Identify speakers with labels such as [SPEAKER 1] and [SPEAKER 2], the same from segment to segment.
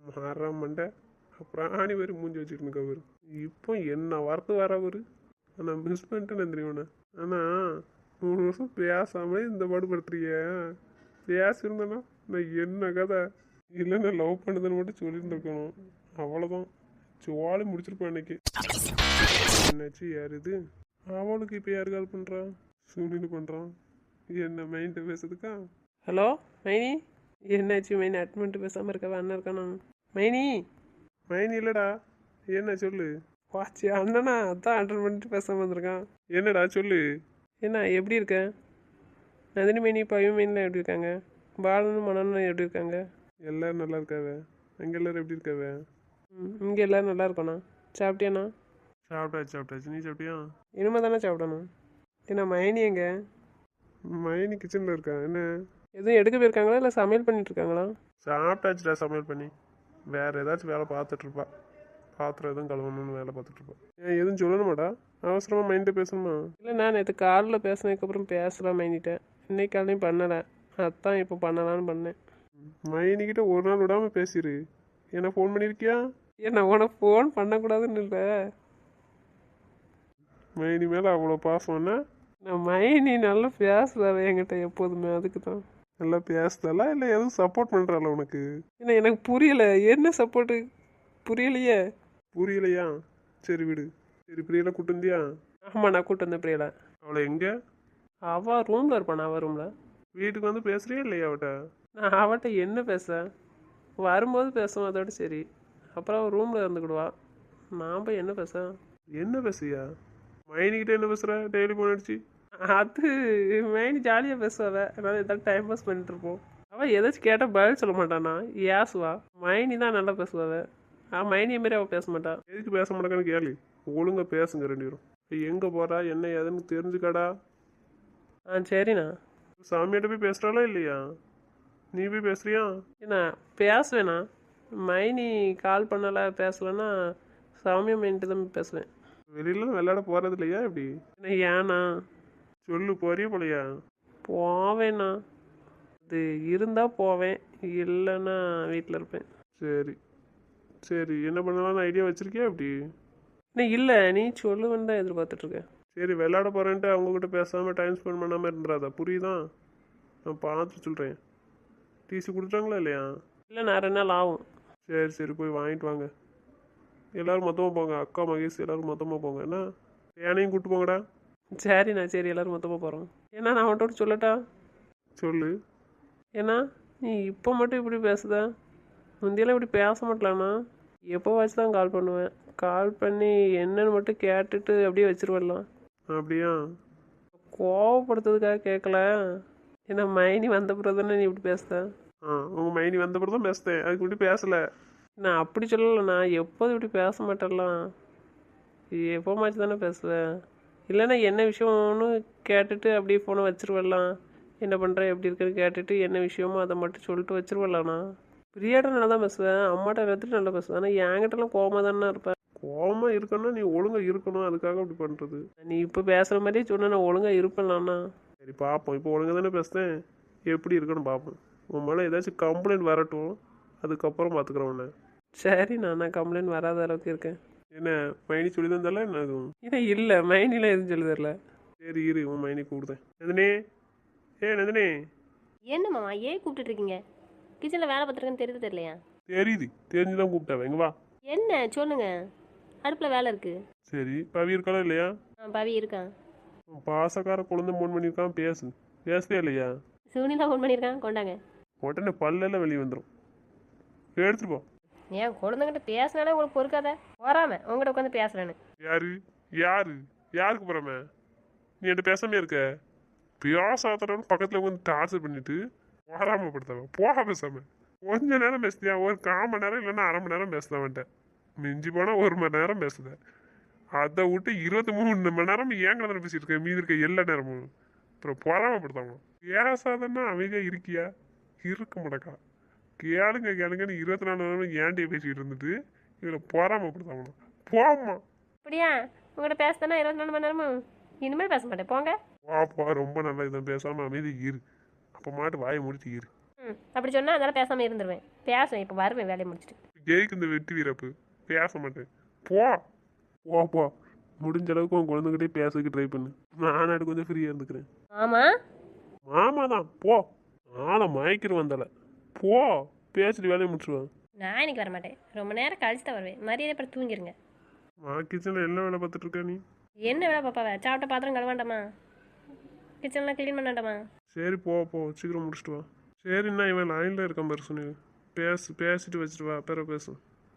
[SPEAKER 1] மாற மண்டை அப்புறம் ஆணி வரி மூஞ்சி வச்சுட்டு அவரு இப்போ என்ன வார்த்தை வர அவரு நான் மிஸ் பண்ணிட்டேன்னு தெரியும்ண்ணே. ஆனால் 3 வருஷம் பேசாமலே இந்த பாடுபடுத்துறிய பேசியிருந்தேன்னா நான் என்ன கதை இல்லை நான் லவ் பண்ணுதுன்னு மட்டும் சொல்லியிருந்துருக்கணும். அவ்வளோதான் ஜோலி முடிச்சிருப்பேன் அன்னைக்கு. என்னாச்சு யார் இது? அவளுக்கு இப்போ யார் கால் பண்ணுறான்? சுனில் பண்ணுறான். என்ன மைண்ட்டு பேசுறதுக்கா?
[SPEAKER 2] ஹலோ மைனி, என்னாச்சு மைனி அட்மெண்ட் பேசாமல் இருக்கவா? அண்ணன் இருக்கானா மைனி?
[SPEAKER 1] மைனி இல்லைடா, என்ன சொல்லு.
[SPEAKER 2] வாச்சி அண்ணனா அதான் அட்டன் பண்ணிட்டு பேசாமல் வந்திருக்கான்.
[SPEAKER 1] என்னடா சொல்லு.
[SPEAKER 2] என்ன எப்படி இருக்க? நந்தினி மைனி பையன் மைனிலாம் எப்படி இருக்காங்க? பாலனும் மனனும் எப்படி இருக்காங்க?
[SPEAKER 1] எல்லோரும் நல்லா இருக்காவ. அங்கே எல்லோரும் எப்படி இருக்காவ?
[SPEAKER 2] இங்கே எல்லோரும் நல்லா இருக்கோண்ணா. சாப்பிட்டியாண்ணா?
[SPEAKER 1] சாப்பிட்டாச்சு. நீ சாப்பிட்டியா?
[SPEAKER 2] இனிமேல் தானே சாப்பிடணும். ஏன்னா மைனி எங்க?
[SPEAKER 1] மைனி கிச்சனில் இருக்கா. என்ன
[SPEAKER 2] எதுவும் எடுக்க போயிருக்காங்களா இல்லை சமையல் பண்ணிட்டு இருக்காங்களா?
[SPEAKER 1] சாப்பிட்டாச்சுடா சமையல் பண்ணி. வேறு ஏதாச்சும் வேலை பார்த்துட்ருப்பா. பாத்திரம் எதுவும் கழுவணும்னு வேலை பார்த்துட்ருப்பா. ஏன் எதுவும் சொல்லணுமாடா? அவசரமாக மைண்ட்டை பேசணுமா?
[SPEAKER 2] இல்லை நான் நேற்று காலில் பேசினதுக்கப்புறம் பேசலாம் மைனிட்டேன். இன்னைக்கு காலையும் பண்ணலை, அதான் இப்போ பண்ணலான்னு பண்ணேன்.
[SPEAKER 1] மைனிக்கிட்ட ஒரு நாள் விடாமல் பேசிடு. என்ன ஃபோன் பண்ணியிருக்கியா?
[SPEAKER 2] ஏன் நான் உனக்கு ஃபோன் பண்ணக்கூடாதுன்னு இல்லை.
[SPEAKER 1] மைனி மேலே அவ்வளோ பாசம்னா?
[SPEAKER 2] நான் மைனி நல்லா பேசுதாவே என்கிட்ட எப்போதுமே, அதுக்கு தான்.
[SPEAKER 1] நல்லா பேசுதாலா இல்லை எதுவும் சப்போர்ட் பண்ணுறாள உனக்கு?
[SPEAKER 2] ஏன்னா எனக்கு புரியலை, என்ன சப்போர்ட்டு புரியலையே.
[SPEAKER 1] புரியலையா? சரி விடு. சரி பிரியெல்லாம் கூட்டு வந்தியா?
[SPEAKER 2] ஆமாம் நான் கூப்பிட்டு வந்தேன் பிரியலை.
[SPEAKER 1] அவளை எங்கே?
[SPEAKER 2] அவள் ரூமில் இருப்பான். அவள் ரூமில்.
[SPEAKER 1] வீட்டுக்கு வந்து பேசுறியா இல்லையா அவட்ட?
[SPEAKER 2] நான் அவட்ட என்ன பேச, வரும்போது பேசுவோம் அதோட சரி. அப்புறம் அவள் ரூமில் இருந்துக்கிடுவா. நான் போய் என்ன பேச?
[SPEAKER 1] என்ன பேசுறியா? மைனிக்கிட்ட என்ன பேசுகிற? டெய்லி ஃபோன் அடிச்சு.
[SPEAKER 2] அது மைனி ஜாலியாக பேசுவாள். அதனால் ஏதாவது டைம் பாஸ் பண்ணிட்டு இருப்போம். அவள் ஏதாச்சும் கேட்டால் பதில் சொல்ல மாட்டானா, ஏசுவா. மைனி தான் நல்லா பேசுவாள். மைனியை மாரி அவள் பேச மாட்டாள்.
[SPEAKER 1] எதுக்கு பேச மாட்டேங்கன்னு கேளு. ஒழுங்காக பேசுங்க 2 பேரும். எங்கே போகிறா என்ன ஏதுன்னு தெரிஞ்சுக்காடா.
[SPEAKER 2] சரிண்ணா.
[SPEAKER 1] சாமியாட்ட போய் பேசுகிறாளா இல்லையா? நீ போய் பேசுறியா?
[SPEAKER 2] ஏண்ணா பேசுவேண்ணா. மைனி கால் பண்ணலை பேசலைன்னா சாமியா மைன்ட்டு தான் பேசுவேன்.
[SPEAKER 1] வெளியில விளையாட போகிறது இல்லையா இப்படி?
[SPEAKER 2] என்ன ஏண்ணா?
[SPEAKER 1] சொல்லு, போறியா போலையா?
[SPEAKER 2] போவேண்ணா. அது இருந்தால் போவேன், இல்லைன்னா வீட்டில் இருப்பேன்.
[SPEAKER 1] சரி சரி, என்ன பண்ணலாம்னு ஐடியா வச்சுருக்கியா இப்படி?
[SPEAKER 2] இன்னும் இல்லை, நீ சொல்லுவேன்னு தான் எதிர்பார்த்துட்ருக்கேன்.
[SPEAKER 1] சரி, விளையாட போகிறேன்ட்டு அவங்கக்கிட்ட பேசாமல் டைம் ஸ்பெண்ட் பண்ணாமல் இருந்துடாதா, புரியுதா? நான் பார்த்து சொல்கிறேன். டிசி கொடுத்துட்டாங்களா இல்லையா?
[SPEAKER 2] இல்லை நான் 2 நாள் ஆகும்.
[SPEAKER 1] சரி போய் வாங்கிட்டு வாங்க. எல்லோரும் மொத்தமாக போங்க. அக்கா மகேஷ் எல்லோரும் மொத்தமாக போங்க. என்ன ஏனையும் கூப்பிட்டு போங்கடா.
[SPEAKER 2] சரிண்ணா சரி, எல்லோரும் மொத்தமாக போகிறோம். ஏன்னா நான் அவன்கிட்ட சொல்லட்டா?
[SPEAKER 1] சொல்லு.
[SPEAKER 2] ஏன்னா நீ இப்போ மட்டும் இப்படி பேசுத, முந்தியெல்லாம் இப்படி பேச மாட்டலாண்ணா. எப்போ வச்சு தான் கால் பண்ணுவேன். கால் பண்ணி என்னன்னு மட்டும் கேட்டுட்டு அப்படியே வச்சிருவலாம்.
[SPEAKER 1] அப்படியா?
[SPEAKER 2] கோவப்படுத்துறதுக்காக கேட்கல. ஏன்னா மைனி வந்த பிறகு தானே நீ இப்படி பேசுத.
[SPEAKER 1] உங்கள் மைனி வந்த பிறகு தான் பேசுதேன், அதுக்கு இப்படி பேசலை.
[SPEAKER 2] நான் அப்படி சொல்லலைண்ணா, எப்போதும் இப்படி பேச மாட்டேன்லாம். எப்போ மாச்சு தானே பேசுவேன். இல்லைன்னா என்ன விஷயம்னு கேட்டுட்டு அப்படியே ஃபோனை வச்சிருவலாம். என்ன பண்ணுறேன் எப்படி இருக்குன்னு கேட்டுட்டு என்ன விஷயமோ அதை மட்டும் சொல்லிட்டு வச்சிருவலாண்ணா. பிரியாட்ட நல்லா தான் பேசுவேன், அம்மாட்ட எல்லாத்துட்டும் நல்லா பேசுவேன். ஆனால் என்கிட்டலாம் கோவமாக தானே இருப்பேன்.
[SPEAKER 1] கோவமாக இருக்கணும்னா நீ ஒழுங்காக இருக்கணும், அதுக்காக அப்படி பண்ணுறது.
[SPEAKER 2] நீ இப்போ பேசுகிற மாதிரியே சொன்னால் நான் ஒழுங்காக இருப்பேன்லாண்ணா.
[SPEAKER 1] சரி பார்ப்போம். இப்போ ஒழுங்காக தானே பேசுகிறேன், எப்படி இருக்குன்னு பார்ப்போம். உன் மேலே ஏதாச்சும் கம்ப்ளைண்ட் வரட்டும், அதுக்கப்புறம் பார்த்துக்குறேன் உன்னை.
[SPEAKER 2] சரிண்ணா, நான் கம்ப்ளைண்ட் வராத அளவுக்கு இருக்கேன்.
[SPEAKER 1] என்ன மைனி சொல்லி தந்தால என்ன அதுவும்?
[SPEAKER 2] இல்லை மைனிலாம் எதுவும் சொல்லி தரல.
[SPEAKER 1] சரி இரு, உன் மைனி கூப்பிடுதேன். நந்தினி, நந்தினி.
[SPEAKER 3] என்ன மாமா ஏன் கூப்பிட்டு இருக்கீங்க? கிச்சனில் வேலை பார்த்துருக்கேன்னு தெரியலையா?
[SPEAKER 1] தெரியுது, தெரிஞ்சு தான் கூப்பிட்டாவே. எங்க வா.
[SPEAKER 3] என்ன சொல்லுங்க, அடுப்பில் வேலை இருக்கு.
[SPEAKER 1] சரி, பவி இருக்காளா இல்லையா?
[SPEAKER 3] பவி இருக்கான்.
[SPEAKER 1] பாசக்கார குழந்தை ஃபோன் பண்ணியிருக்கான், பேசுதே இல்லையா?
[SPEAKER 3] சுனிலா ஃபோன் பண்ணியிருக்கான், கொண்டாங்க.
[SPEAKER 1] உடனே பல்லெல்லாம் வெளியே வந்துடும், எடுத்துட்டு போ.
[SPEAKER 3] ஏன் குழந்தைங்கிட்ட பேசினாலே உங்களுக்கு பொறுக்காத? வராம உங்கள்கிட்ட உட்காந்து பேசுறேன்னு.
[SPEAKER 1] யாருக்கு போறாம? நீ என்கிட்ட பேசாமே இருக்க. பேசாதவன் பக்கத்தில் உட்காந்து டார்ச்சர் பண்ணிட்டு வராம படுத்தவன் போக பேசாம. கொஞ்ச நேரம் பேசுதியா? ஒரு 1/4 மணி நேரம் இல்லைன்னா அரை மணி நேரம் பேசுதவன்ட்ட. மிஞ்சி போனால் 1 மணி நேரம் பேசுத. அதை விட்டு 23 மணி நேரம் ஏங்க தானே பேசிட்டு இருக்கேன், மீதி இருக்க எல்லா நேரமும். அப்புறம் பொறாமப்படுத்தாங்க. பேசாதன்னா அமைதியாக இருக்கியா? இருக்க மாட்டக்கா. கேளுங்கன்னு 24 நேரம் ஏன்டே பேசிக்கிட்டு இருந்துட்டு இவரை பொறாமப்படுத்தாங்க. போம்மா.
[SPEAKER 3] அப்படியா? உங்கள்கிட்ட பேசுதானே 24 மணி நேரமும்? இனிமேல் பேச மாட்டேன், போங்க.
[SPEAKER 1] வாப்பா, ரொம்ப நல்லா இதை பேசாமல் அமைதி இரு. அப்போ மாட்டு வாயை முடிச்சு இரு.
[SPEAKER 3] அப்படி சொன்னால் அதெல்லாம் பேசாமல் இருந்துருவேன். பேசுவேன், இப்போ வருவேன் வேலையை முடிச்சுட்டு.
[SPEAKER 1] ஜெயிக்கு இந்த வெட்டி வீரப்பு பேச மாட்டேன். போ போ போ. முடிஞ்ச அளவுக்கு உன் குழந்தைகிட்டே பேசக்கு ட்ரை பண்ணு. நானாடு கொஞ்சம் ஃப்ரீயாக இருந்துக்கிறேன்.
[SPEAKER 3] ஆமா
[SPEAKER 1] மாமா தான் போ. ஆளை மயக்கிற வந்தால போ. பேசிட்டு வேலையை முடிச்சுவேன்.
[SPEAKER 3] நான் இன்னைக்கு வர மாட்டேன். ரொம்ப நேரம் கழிச்சு தான் வருவேன். மரியாதை அப்புறம் தூங்கிருங்க.
[SPEAKER 1] கிச்சனில் என்ன வேலை பார்த்துட்டு இருக்க நீ?
[SPEAKER 3] என்ன வேலை பாப்பாவ? சாப்பிட்ட பாத்திரம் கழுவாண்டாமா? கிச்சன்லாம் க்ளீன் பண்ணாண்டாமா?
[SPEAKER 1] சரி போ போ, சீக்கிரம் முடிச்சுட்டு வா. சரிண்ணா, இவன் லைனில் இருக்கான் பாரு சுனில். பேசிட்டு வச்சுட்டு வா, பிற பேசு.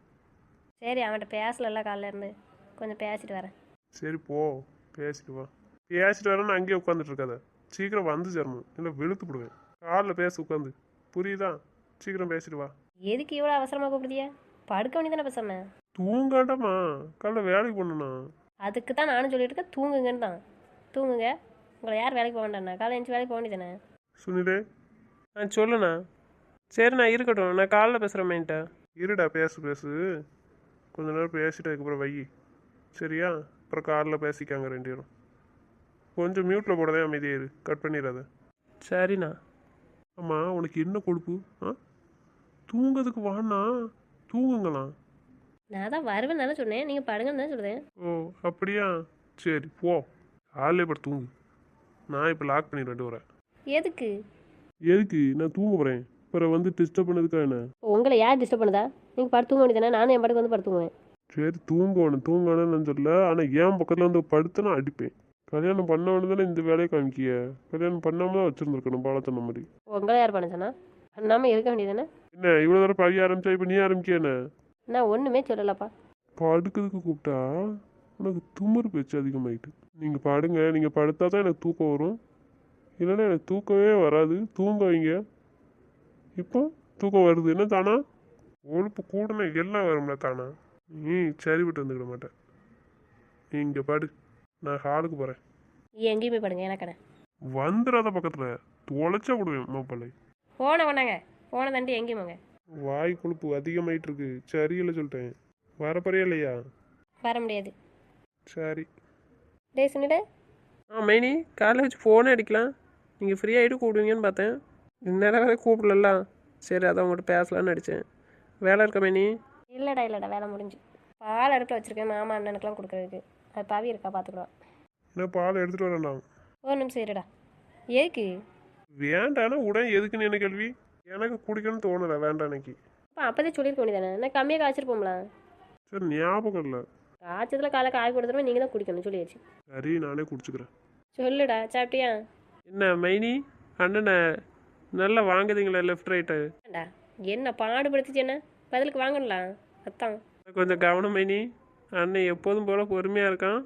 [SPEAKER 3] சரி அவன்கிட்ட பேசல காலைல இருந்து. கொஞ்சம் பேசிட்டு வரேன்.
[SPEAKER 1] சரி போ, பேசிட்டு வா. பேசிட்டு வரேன்னு அங்கேயே உட்காந்துட்டு இருக்காத. சீக்கிரம் வந்து சேரணும், இல்லை வெளுத்து விடுவேன். காலில் பேச உட்காந்து, புரியுதா? சீக்கிரம் பேசிட்டு வா.
[SPEAKER 3] எதுக்கு இவ்வளோ அவசரமாக கூப்பிடுதியா? படுக்க வேண்டியதானே இப்போ சொன்னேன்.
[SPEAKER 1] தூங்காட்டமா, காலைல வேலைக்கு பண்ணணும்ண்ணா.
[SPEAKER 3] அதுக்கு தான் நானும் சொல்லிட்டு இருக்கேன், தூங்குங்கன்னு தான். தூங்குங்க. உங்களை யார் வேலைக்கு போக வேண்டாண்ணா? காலை எழுந்து வேலைக்கு போக வேண்டியதானே?
[SPEAKER 1] சுனிலே
[SPEAKER 2] சொல்லுண்ணா. சரிண்ணா இருக்கட்டும், நான் காலைல பேசுகிறேன் மைன்ட்ட.
[SPEAKER 1] இருடா, பேசு. கொஞ்ச நேரம் பேசிட்டு அதுக்கப்புறம் வை. சரியா? அப்புறம் காலில் பேசிக்காங்க ரெண்டு பேரும். கொஞ்சம் மியூட்டில் போடதே, அமைதியாக இரு, கட் பண்ணிடாத.
[SPEAKER 2] சரிண்ணா.
[SPEAKER 1] ஆமாம், உனக்கு என்ன கொழுப்பு? தூங்கிறதுக்கு வாண்ணா, தூங்குங்களாம்.
[SPEAKER 3] நான் தான் வருவேன் தானே சொன்னேன். நீங்கள் படுங்கன்னு தான் சொல்லுதேன்.
[SPEAKER 1] ஓ அப்படியா? சரி போ, காலையிலே பட்டு தூங்கு. நான் இப்போ லாக் பண்ணிட்டு வரேன்.
[SPEAKER 3] எதுக்கு?
[SPEAKER 1] எதுக்கு? நான் தூங்க போகிறேன். அப்புறம் வந்து டிஸ்டர்ப் பண்ணதுக்கா என்ன?
[SPEAKER 3] உங்களை யார் டிஸ்டர்ப் பண்ணுதா? நீங்கள் படுத்து தூங்க வேண்டியதானே? நானும் என் படுக்க வந்து படுத்துக்குவேன்.
[SPEAKER 1] சரி தூங்கணும் நான் சொல்ல. ஆனால் என் பக்கத்தில் வந்து படுத்து நான் அடிப்பேன். கல்யாணம் பண்ணவனு தானே இந்த வேலையை காமிக்கிய. கல்யாணம் பண்ணாமல் தான் வச்சுருந்துருக்கணும் பாலத்தன மாதிரி.
[SPEAKER 3] உங்களை யார் பண்ண சொன்னா? பண்ணாமல் இருக்க வேண்டியதானே?
[SPEAKER 1] என்ன இவ்வளோ தடவை பழகி ஆரம்பிச்சா இப்போ நீ ஆரம்பிக்க என்ன?
[SPEAKER 3] நான் ஒன்றுமே சொல்லலப்பா.
[SPEAKER 1] படுக்கிறதுக்கு கூப்பிட்டா உனக்கு துமுறு பேச்சு அதிகமாயிட்டு. நீங்கள் படுங்க, நீங்கள் படுத்தா தான் எனக்கு தூக்கம் வரும். இல்லைன்னா எனக்கு தூக்கமே வராது. தூங்க வைங்க. இப்போ தூக்கம் வருது என்ன தானா? ஒழுப்பு கூடனே எல்லாம் வரும்ல தானா? நீ சரி விட்டு வந்துக்கிட மாட்டேன். நீ இங்கே படு, நான் ஹாலுக்கு போகிறேன்.
[SPEAKER 3] எங்கேயுமே படுங்க எனக்கண்ணே.
[SPEAKER 1] வந்துடாத பக்கத்தில் தொலைச்சா விடுவேன் மாப்பிள்ளை.
[SPEAKER 3] போனை பண்ணாங்க. போனை தாண்டி எங்கேயும் போங்க.
[SPEAKER 1] வாய் கொழுப்பு அதிகமாயிட்டு இருக்கு. சரியில்லை சொல்லிட்டேன். வரப்பறையா இல்லையா?
[SPEAKER 3] வர முடியாது.
[SPEAKER 1] சரி.
[SPEAKER 3] டே சுனிடே.
[SPEAKER 2] மைனி காலைல வச்சு ஃபோனே அடிக்கலாம். நீங்கள் ஃப்ரீ ஆகிட்டு கூப்பிடுவீங்கன்னு பார்த்தேன். இந்நேரம் வேறு கூப்பிடல. சரி அதான் உங்கள்கிட்ட பேசலான்னு அடித்தேன். வேலை இருக்கா மைனி?
[SPEAKER 3] இல்லைடா வேலை முடிஞ்சு. பால் அடுப்பில் வச்சுருக்கேன். மாமா அண்ணனுக்குலாம் கொடுக்குறதுக்கு. அது பவி இருக்கா, பார்த்துக்கலாம்.
[SPEAKER 1] என்ன பால் எடுத்துகிட்டு வரேன்டாம்.
[SPEAKER 3] ஒரு நிமிஷம் இருடா. எதுக்கு?
[SPEAKER 1] வேண்டானா உடனே எதுக்குன்னு என்ன கேள்வி? எனக்கு குடிக்கணும்னு தோணலை, வேண்டாம் எனக்கு.
[SPEAKER 3] அப்போதே சொல்லியிருக்க வேண்டியதானே? நான் கம்மியாக காய்ச்சிருப்போம்ல.
[SPEAKER 1] சரி ஞாபகம் இல்லை.
[SPEAKER 3] காய்ச்சதுல காலை காய் கொடுத்துருமே, நீங்கள் தான் குடிக்கணும் சொல்லியாச்சு.
[SPEAKER 1] சரி நானே குடிச்சுக்கிறேன்.
[SPEAKER 3] சொல்லுடா, சாப்பிட்டியா?
[SPEAKER 2] என்ன மைனி அண்ணனை நல்லா வாங்குதீங்களா லெஃப்ட் ரைட்டு?
[SPEAKER 3] ஏண்டா என்ன பாடுபடுத்துச்சு? என்ன பதிலுக்கு வாங்கலாம். அத்தான்
[SPEAKER 2] கொஞ்சம் கவனம் மைனி. அண்ணன் எப்போதும் போல் பொறுமையாக இருக்கான்.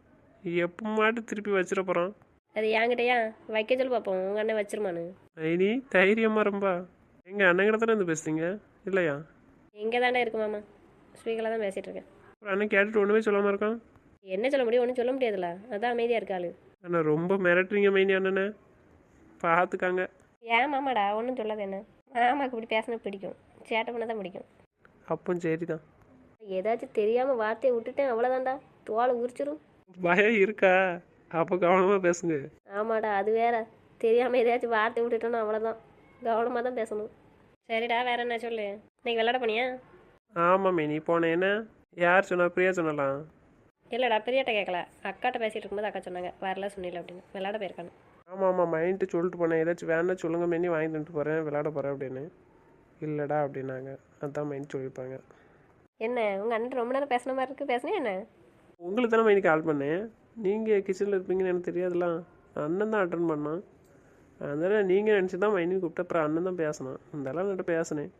[SPEAKER 2] எப்போ மாட்டு திருப்பி வச்சிட போகிறான்.
[SPEAKER 3] அது என்கிட்டயா வைக்க சொல்லி பார்ப்போம். உங்கள் அண்ணன் வச்சிருமானு.
[SPEAKER 2] மைனி தைரியமாக ரொம்ப. எங்கள் அண்ணங்கிட்ட தானே இருந்து பேசுறீங்க இல்லையா?
[SPEAKER 3] எங்கே தாண்டா இருக்கு மாமா? ஸ்பீக்கரில் தான் பேசிகிட்டு இருக்கேன்.
[SPEAKER 2] அப்புறம் அண்ணன் கேட்டுட்டு ஒன்றுமே சொல்லாமல் இருக்கான்.
[SPEAKER 3] என்ன சொல்ல முடியும்? ஒன்றும் சொல்ல முடியாதுல்ல. அதான் அமைதியாக இருக்காளு.
[SPEAKER 2] அண்ணா ரொம்ப மிரட்டுறீங்க மைனி அண்ணனை. பார்த்துக்காங்க.
[SPEAKER 3] ஏன் மாமாடா ஒன்றும் சொல்லாது. என்ன மாமாவுக்கு இப்படி பேசினா பிடிக்கும். சேட்டை பண்ண தான் பிடிக்கும்.
[SPEAKER 2] அப்போ சரி தான்.
[SPEAKER 3] ஏதாச்சும் தெரியாமல் வார்த்தையை விட்டுட்டேன் அவ்வளோதான்டா. தோலை உரிச்சிரும்.
[SPEAKER 2] பயம் இருக்கா? அப்போ கவனமாக பேசுங்க.
[SPEAKER 3] ஆமாடா, அது வேற. தெரியாமல் ஏதாச்சும் வார்த்தை விட்டுட்டோன்னா அவ்வளோதான். கவனமாக தான் பேசணும். சரிடா, வேற என்ன சொல்லு. இன்னைக்கு விளாட போனியா?
[SPEAKER 2] ஆமாம் மைனி போனேன். என்ன யார் சொன்னா? பிரியா சொன்னலாம்.
[SPEAKER 3] இல்லைடா, பெரியாட்ட கேட்கல. அக்காட்ட பேசிகிட்டு இருக்கும்போது அக்கா சொன்னாங்க வரல சொன்னில அப்படின்னு. விளாட போயிருக்கானு.
[SPEAKER 2] ஆமாம் மைண்ட்டு சொல்லிட்டு போனேன். ஏதாச்சும் வேணா சொல்லுங்க மைனி, வாங்கி தந்துட்டு போகிறேன், விளாட போகிறேன் அப்படின்னு. இல்லைடா அப்படின்னாங்க. அதான் மைண்ட் சொல்லியிருப்பாங்க.
[SPEAKER 3] என்ன உங்கள் அண்ணன் ரொம்ப நேரம் பேசுன மாதிரி இருக்குது? பேசுனே என்ன?
[SPEAKER 2] உங்களுக்கு தானே மைனி கால் பண்ணேன். நீங்கள் கிச்சனில் இருப்பீங்கன்னு எனக்கு தெரியாதுலாம். அண்ணன் தான் அட்டன் பண்ணான். அதனால் நீங்கள் நினச்சி தான் மைனி கூப்பிட்டு அப்புறம் அண்ணன் தான் பேசினான். அதெல்லாம் நான் பேசினேன்.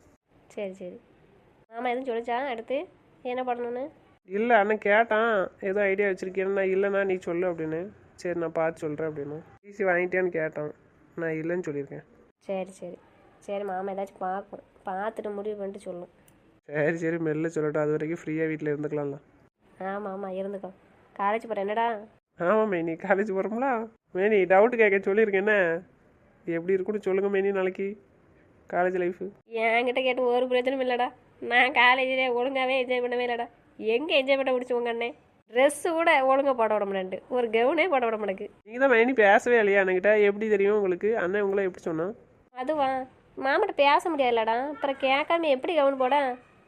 [SPEAKER 3] சரி. மாமா எதுவும் சொல்லிச்சா அடுத்து என்ன பண்ணணுன்னு?
[SPEAKER 2] இல்லை அண்ணன் கேட்டான் ஏதோ ஐடியா வச்சுருக்கேன்னா. இல்லைண்ணா நீ சொல்லு அப்படின்னு. சரி நான் பார்த்து சொல்கிறேன் அப்படின்னு. டிசி வாங்கிட்டியான்னு கேட்டான். நான் இல்லைன்னு சொல்லியிருக்கேன்.
[SPEAKER 3] சரி மாமா ஏதாச்சும் பார்க்கும். பார்த்துட்டு முடிவு பண்ணிட்டு சொல்லும்.
[SPEAKER 2] சரி மெல்ல சொல்லட்டும். அது வரைக்கும் ஃப்ரீயாக வீட்டில் இருந்துக்கலாம்ல.
[SPEAKER 3] ஆமாம் இருந்துக்கோ. காலேஜ் போகிற என்னடா?
[SPEAKER 2] ஆமாம் மைனி காலேஜ் போகிறோம்ல. மைனி டவுட்டு கேட்க சொல்லியிருக்கேன். என்ன எப்படி இருக்குன்னு சொல்லுங்கள் மைனி நாளைக்கு காலேஜ் லைஃபு.
[SPEAKER 3] என்கிட்ட கேட்டு ஒரு பிரச்சனையும் இல்லைடா. நான் காலேஜில் ஒழுங்காகவே என்ஜாய் பண்ணவே இல்லைடா. எங்கே என்ஜாய் பண்ண முடிச்சு உங்கள் அண்ணன்? ட்ரெஸ்ஸு கூட ஒழுங்காக போட விட மாட்டேன்ட்டு. ஒரு கவுனே போட விட மாட்டேக்கு.
[SPEAKER 2] நீங்கள் தான் மைனி பேசவே இல்லையா அண்ணன்கிட்ட? எப்படி தெரியும் உங்களுக்கு? அண்ணன் உங்களை எப்படி சொன்னான்?
[SPEAKER 3] அதுவா மாமாட்ட பேச முடியாதுல்லடா. அப்புறம் கேட்காம எப்படி கவுன் போட?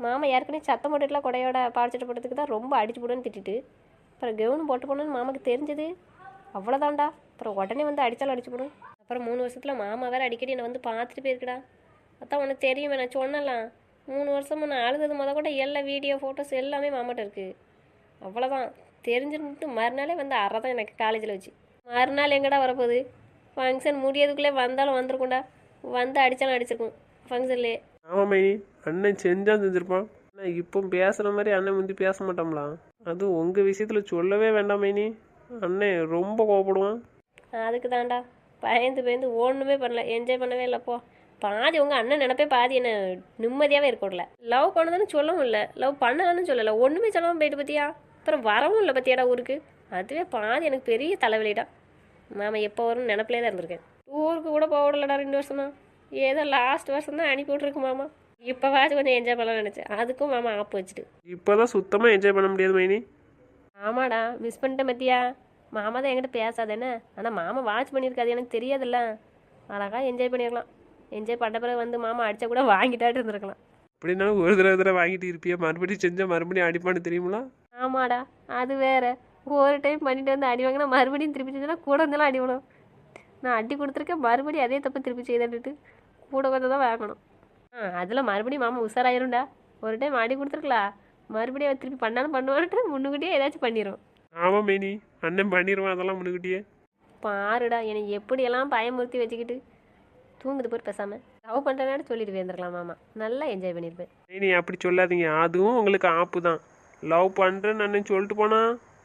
[SPEAKER 3] மாமா ஏற்கனவே சத்தம் போட்டுட்டுலாம் கொடையோட பாடிச்சிட்டு போட்டதுக்கு தான் ரொம்ப அடிச்சு போடுன்னு திட்டிட்டு அப்புறம் கவுன் போட்டு போகணுன்னு மாமாக்கு தெரிஞ்சது அவ்வளோதான்டா. அப்புறம் உடனே வந்து அடித்தாலும் அடிச்சு போடும். அப்புறம் 3 வருஷத்தில் மாமா வேறு அடிக்கடி என்னை வந்து பார்த்துட்டு போயிருக்குடா. அதான் உனக்கு தெரியுமே, நான் சொன்னலாம் 3 வருஷமும் நான் அழுதது கூட எல்லா வீடியோ ஃபோட்டோஸ் எல்லாமே மாமாட்ட இருக்குது. அவ்வளோதான். தெரிஞ்சுட்டு மறுநாளே வந்து அரை தான் எனக்கு காலேஜில் வச்சு. மறுநாள் எங்கடா வரப்போகுது? ஃபங்க்ஷன் முடியறதுக்குள்ளே வந்தாலும் வந்திருக்கும்டா. வந்து அடித்தாலும் அடிச்சிருக்கும் ஃபங்க்ஷன்லேயே.
[SPEAKER 2] ஆமாம் மைனி, அண்ணன் செஞ்சிருப்பான். ஆனால் இப்போ பேசுகிற மாதிரி அண்ணன் முந்தி பேச மாட்டோம்லாம். அதுவும் உங்கள் விஷயத்தில் சொல்லவே வேண்டாம் மைனி. அண்ணன் ரொம்ப கோவப்படுவான்.
[SPEAKER 3] அதுக்கு தான்டா பயந்து ஒன்றுமே பண்ணல, என்ஜாய் பண்ணவே இல்லைப்போ. பாதி உங்கள் அண்ணன் நினப்பே பாதி என்ன நிம்மதியாகவே இருக்கக்கூடல. லவ் பண்ணதானு சொல்லவும் இல்லை, லவ் பண்ணலான்னு சொல்லலை, ஒன்றுமே சொல்லாமல் போயிட்டு பற்றியா. அப்புறம் வரவும் இல்லை பற்றியாடா ஊருக்கு. அதுவே பாதி எனக்கு பெரிய தலைவலிடா. மாமா எப்போ வரும்னு நினப்பிலே தான் இருந்திருக்கேன். ஊருக்கு கூட போக விடலடா 2 வருஷமா. ஏதோ லாஸ்ட் வருஷம் தான் அனுப்பி விட்ருக்கு மாமா. இப்போவாச்சும் கொஞ்சம் என்ஜாய் பண்ணலாம்னு நினச்சேன். அதுக்கும் மாமா ஆப்பு வச்சுட்டு.
[SPEAKER 2] இப்போ தான் சுத்தமாக என்ஜாய் பண்ண முடியாது மைனி.
[SPEAKER 3] ஆமாடா, மிஸ் பண்ணிட்டேன் பத்தியா. மாமா தான் என்கிட்ட பேசாதேன்னு. ஆனால் மாமா வாட்ச் பண்ணியிருக்காது, எனக்கு தெரியாதுல்ல. அழகாக என்ஜாய் பண்ணிடலாம். என்ஜாய் பண்ண பிறகு வந்து மாமா அடித்தா கூட வாங்கிட்டாட்டு இருந்திருக்கலாம்.
[SPEAKER 2] அப்படின்னாலும் ஒரு தடவை வாங்கிட்டு இருப்பியா? மறுபடியும் செஞ்சால் மறுபடியும் அடிப்பான்னு தெரியுங்களா?
[SPEAKER 3] ஆமாடா, அது வேற. ஒரு டைம் பண்ணிட்டு வந்து அடி வாங்கினா மறுபடியும் திருப்பி செஞ்சா கூட இருந்தாலும் அடி விடும். நான் அடி கொடுத்துருக்கேன், மறுபடியும் அதே தப்பு திருப்பி செய்துட்டு கூட கொஞ்சம் தான் வாங்கணும். அதில் மறுபடியும் மாமா உஷாராயிரும்டா. ஒரு டைம் அடி கொடுத்துருக்கலாம், மறுபடியும் திருப்பி பண்ணாலும் பண்ணுவான்ட்டு முன்னுக்கிட்டே ஏதாச்சும் பண்ணிடும்.
[SPEAKER 2] ஆமாம் மைனி, அண்ணன் பண்ணிடுவான் அதெல்லாம் முன்னுக்கிட்டே.
[SPEAKER 3] பாருடா, என்னை எப்படியெல்லாம் பயமுறுத்தி வச்சுக்கிட்டு தூங்குது போய் பேசாமல் லவ் பண்ணுறேன்னு சொல்லிட்டு வந்துருக்கலாம் மாமா. நல்லா என்ஜாய் பண்ணியிருப்பேன்.
[SPEAKER 2] மைனி அப்படி சொல்லாதீங்க, அதுவும் உங்களுக்கு ஆப்பு தான். லவ் பண்ணுறேன்னு அண்ணன் சொல்லிட்டு போனா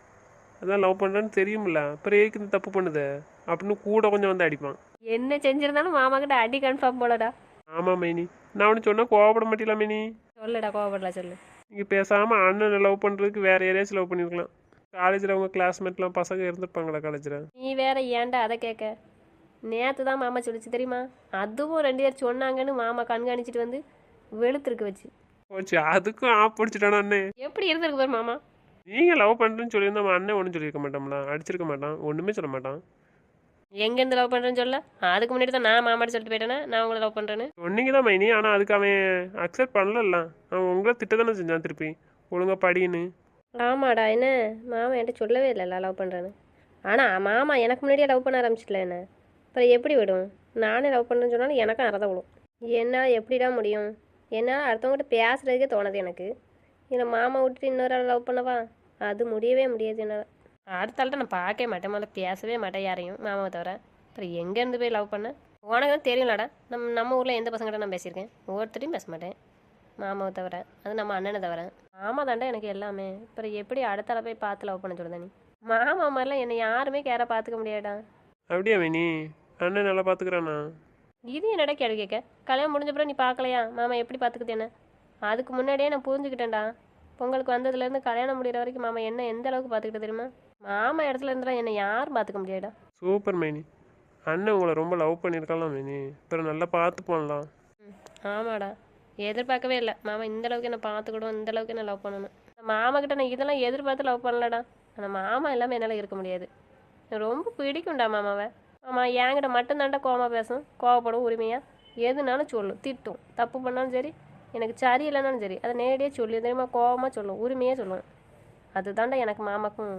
[SPEAKER 2] அதான் லவ் பண்ணுறேன்னு தெரியுமில்ல, அப்புறம் ஏக்கு இந்த தப்பு பண்ணுது அப்படின்னு கூட கொஞ்சம் வந்து அடிப்பான்.
[SPEAKER 3] என்ன செஞ்சிருந்தாலும் மாமா கிட்ட அடி கன்ஃபார்ம் போலடா.
[SPEAKER 2] ஆமாம் மைனி, நான் அவனு சொன்னால் கோவப்பட மாட்டீங்களா மைனி?
[SPEAKER 3] சொல்லடா, கோவப்படலாம் சொல்லு.
[SPEAKER 2] நீங்கள் பேசாமல் அண்ணனை லவ் பண்ணுறதுக்கு வேறு யாரையாச்சும் லவ் பண்ணியிருக்கலாம். காலேஜில் அவங்க கிளாஸ்மேட்லாம் பசங்க இருந்திருப்பாங்களா காலேஜில்?
[SPEAKER 3] நீ வேற ஏன்டா அதை கேட்க? நேற்று தான் மாமா சொல்லிச்சு தெரியுமா? அதுவும் 2 பேர் சொன்னாங்கன்னு மாமா கண்காணிச்சிட்டு வந்து வெளுத்துருக்கு வச்சு
[SPEAKER 2] போச்சு, அதுக்கும் ஆப் பிடிச்சிட்டானா அண்ணன்?
[SPEAKER 3] எப்படி இருந்திருக்கு பாரு மாமா.
[SPEAKER 2] நீங்கள் லவ் பண்ணுறேன்னு சொல்லியிருந்தா அவன் அண்ணன் ஒன்றும் சொல்லியிருக்க மாட்டோம்ல, அடிச்சிருக்க மாட்டான், ஒன்றுமே சொல்ல மாட்டான்.
[SPEAKER 3] எங்கேருந்து லவ் பண்ணுறேன்னு சொல்ல? அதுக்கு முன்னாடி தான் நான் மாமாட்ட சொல்லிட்டு போயிட்டேன்னா நான் உங்களை லவ் பண்ணுறேன்னு.
[SPEAKER 2] சொன்னீங்க தான் மைனி, ஆனால் அதுக்கு அவன் அக்செப்ட் பண்ணல. அவன் உங்களை திட்ட தானே செஞ்சான் திருப்பி, ஒழுங்காக படின்னு.
[SPEAKER 3] ஆமாடா, என்ன மாமா என்கிட்ட சொல்லவே இல்லைல்ல லவ் பண்ணுறேன்னு. ஆனால் மாமா எனக்கு முன்னாடியே லவ் பண்ண ஆரம்பிச்சிட்டல என்ன. அப்புறம் எப்படி விடும்? நானே லவ் பண்ணுறேன்னு சொன்னாலும் எனக்கும் அறதான் விடும். என்னால் எப்படிடா முடியும்? என்னால் அடுத்தவங்ககிட்ட பேசுகிறதுக்கே தோணுது எனக்கு. இல்லை மாமா விட்டுட்டு இன்னொரு ஆள் லவ் பண்ணவா? அது முடியவே முடியாது என்னால். அடுத்த ஆள்கிட்ட நான் பார்க்கவே மாட்டேன், முதல்ல பேசவே மாட்டேன் யாரையும், மாமாவை தவிர. அப்புறம் எங்கேருந்து போய் லவ் பண்ணேன்? உனக்கு தான் தெரியும்லடா, நம்ம ஊரில் எந்த பசங்கிட்ட நான் பேசியிருக்கேன்? ஒவ்வொருத்தரையும் பேச மாட்டேன் மாமாவை தவிர, அது நம்ம அண்ணனை தவிர. மாமா தாண்டா எனக்கு எல்லாமே. அப்புறம் எப்படி அடுத்த ஆளை போய் பார்த்து லவ் பண்ண சொல்லுதா நீ? மாமா மாதிரிலாம் என்னை யாருமே கேராக பார்த்துக்க முடியாடா.
[SPEAKER 2] அப்படியா மைனி? அண்ணன் நல்லா பார்த்துக்கிறானா?
[SPEAKER 3] இது என்னடா கேள்வி கேட்க? கல்யாணம் முடிஞ்சப்பறம் நீ பார்க்கலையா மாமா எப்படி பார்த்துக்குது என்ன? அதுக்கு முன்னாடியே நான் புரிஞ்சுக்கிட்டேன்டா. பொங்கலுக்கு வந்ததுலேருந்து கல்யாணம் முடிகிற வரைக்கும் மாமா என்ன எந்த அளவுக்கு பார்த்துக்கிட்டு தெரியுமா? மாமா இடத்துல இருந்தால் என்னை யாரும் பார்த்துக்க முடியாடா.
[SPEAKER 2] சூப்பர் மைனி, அண்ணன் உங்களை ரொம்ப லவ் பண்ணியிருக்கலாம் மைனி, அப்புறம் நல்லா பார்த்து போடலாம்.
[SPEAKER 3] ஆமாடா, எதிர்பார்க்கவே இல்லை மாமா இந்த அளவுக்கு என்ன பார்த்துக்கிடும், இந்த அளவுக்கு என்ன லவ் பண்ணணும். மாமா கிட்ட நான் இதெல்லாம் எதிர்பார்த்து லவ் பண்ணலடா. ஆனால் மாமா எல்லாமே என்னால் இருக்க முடியாது. எனக்கு ரொம்ப பிடிக்கும்டா மாமாவை. ஆமா, என்கிட்ட மட்டும்தான்டா கோவமாக பேசும், கோவப்படும் உரிமையாக. எதுனாலும் சொல்லும், திட்டும். தப்பு பண்ணாலும் சரி, எனக்கு சரி இல்லைனாலும் சரி, அதை நேரடியாக சொல்லி தெரியுமா, கோவமாக சொல்லும், உரிமையாக சொல்லுவேன். அதுதான்டா எனக்கு மாமாக்கும்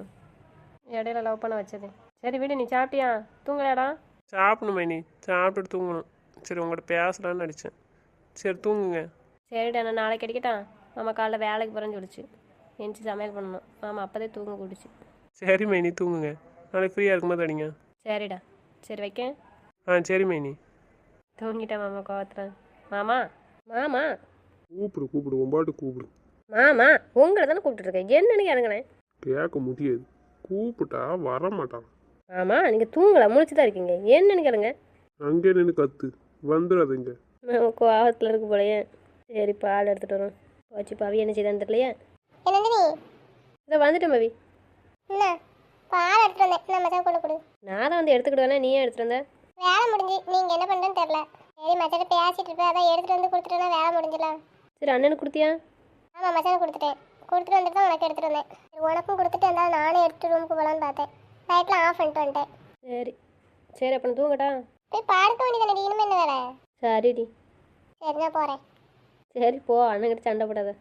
[SPEAKER 3] இடையில லவ் பண்ண வச்சது. சரி வீடு, நீ சாப்பிட்டியா? தூங்கலையாடா?
[SPEAKER 2] சாப்பிடணும் மைனி, சாப்பிட்டுட்டு தூங்கணும். சரி உங்கள்கிட்ட பேசலான்னு அடித்தேன். சரி தூங்குங்க.
[SPEAKER 3] சரிடா, நான் நாளைக்கு அடிக்கட்டா? மாமா காலைல வேலைக்கு போகிறேன்னு சொல்லிச்சு, எந்திச்சு சமையல் பண்ணணும். மாமா அப்போதே தூங்க கூடிச்சு.
[SPEAKER 2] சரி மைனி தூங்குங்க, நாளைக்கு ஃப்ரீயாக இருக்கும்போது அடிங்க.
[SPEAKER 3] சரிடா, சரி வைக்கேன்.
[SPEAKER 2] சரி மைனி.
[SPEAKER 3] தூங்கிட்டேன் மாமா கோவத்துறேன். மாமா மாமா
[SPEAKER 1] கூப்பிடு உன்பாட்டு கூப்பிடு.
[SPEAKER 3] மாமா உங்களை தானே கூப்பிட்டுருக்கேன், என்னன்னு கேளுங்களேன்.
[SPEAKER 1] கேட்க முடியாது, கூப்பிட்டா வரமாட்டான்.
[SPEAKER 3] ஆமாம், நீங்கள் தூங்கலாம், முழிச்சு தான் இருக்கீங்க, என்னன்னு கேளுங்க.
[SPEAKER 1] அங்கே நின்று கத்து வந்துடாதுங்க.
[SPEAKER 3] கோவத்தில் இருக்கு போலையே. சரி பால் எடுத்துகிட்டு வரோம். போச்சு பவி என்ன செய்தான்னு தெரியலையே.
[SPEAKER 4] என்னது நீ?
[SPEAKER 3] இதை வந்துட்டேன் பவி.
[SPEAKER 4] என்ன பால் எடுத்துட்டு வந்தேன், நான் மச்சான் கொண்டு கொடு.
[SPEAKER 3] நான் தான் வந்து எடுத்துக்கிட்டு வரேன், நீ ஏன் எடுத்துகிட்டு வந்த?
[SPEAKER 4] வேலை முடிஞ்சு, நீங்க என்ன பண்றேன்னு தெரியல. சரி மச்சான் பேசிட்டு இருப்பேன், அதான் எடுத்துட்டு வந்து கொடுத்துட்டேன்னா வேலை முடிஞ்சிடலாம்.
[SPEAKER 3] சரி அண்ணனுக்கு கொடுத்தியா?
[SPEAKER 4] ஆமாம் மச்சான் கொடுத்துட்டேன். கொடுத்துட்டு வந்துட்டு தான் உனக்கு எடுத்துட்டு வந்தேன். சரி உனக்கும் கொடுத்துட்டு இருந்தாலும் நானே எடுத்து ரூமுக்கு போகலான்னு பார்த்தேன். லைட்லாம் ஆஃப் பண்ணிட்டு வந்துட்டேன்.
[SPEAKER 3] சரி சரி அப்போ நான் தூங்கட்டா?
[SPEAKER 4] போய் படுக்க வேண்டியதானே, இனிமே என்ன வேலை?
[SPEAKER 3] சரிடி.
[SPEAKER 4] சரி நான் போகிறேன்.
[SPEAKER 3] சரி போ, அண்ணன்கிட்ட சண்டை போடாத.